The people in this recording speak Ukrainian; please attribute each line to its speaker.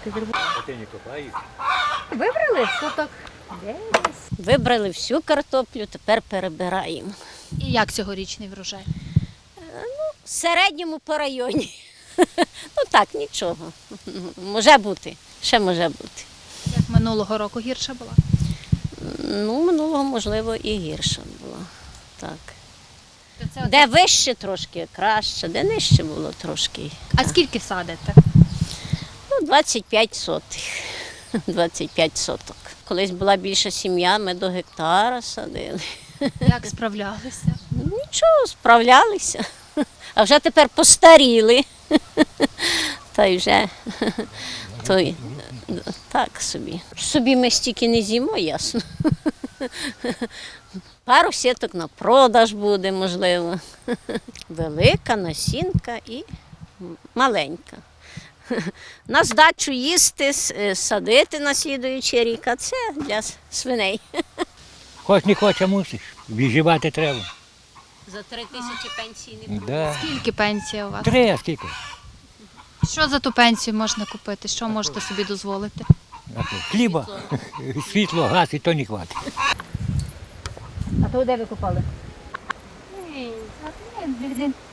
Speaker 1: таке зробити.
Speaker 2: А ти не копаєш?
Speaker 1: Вибрали соток 10.
Speaker 3: Вибрали всю картоплю, тепер перебираємо.
Speaker 4: І як цьогорічний врожай?
Speaker 3: В середньому по районі. Ну так, нічого. Може бути, ще може бути.
Speaker 4: Як минулого року гірша була?
Speaker 3: Ну, минулого, можливо, і гірше було. Так.
Speaker 4: То це
Speaker 3: Де вище трошки краще, де нижче було трошки.
Speaker 4: А скільки садите?
Speaker 3: Ну, 25 сотих. 25 соток. Колись була більша сім'я, ми до гектара садили.
Speaker 4: Як справлялися?
Speaker 3: Нічого, справлялися. А вже тепер постаріли. Та й вже той, так собі. Собі ми стільки не з'їмо, ясно. Пару сіток на продаж буде, можливо. Велика насінка і маленька. На здачу їсти, садити на слідуючий рік, а це для свиней.
Speaker 2: Хоч не хоче, мусиш. Виживати треба.
Speaker 3: За 3 тисячі пенсійний.
Speaker 2: Да.
Speaker 4: Скільки пенсія у вас?
Speaker 2: 3, а скільки?
Speaker 4: Що за ту пенсію можна купити? Що можете собі дозволити?
Speaker 2: Хліба, світло, газ і то не хватить.
Speaker 1: А то де ви купали?
Speaker 4: Ні,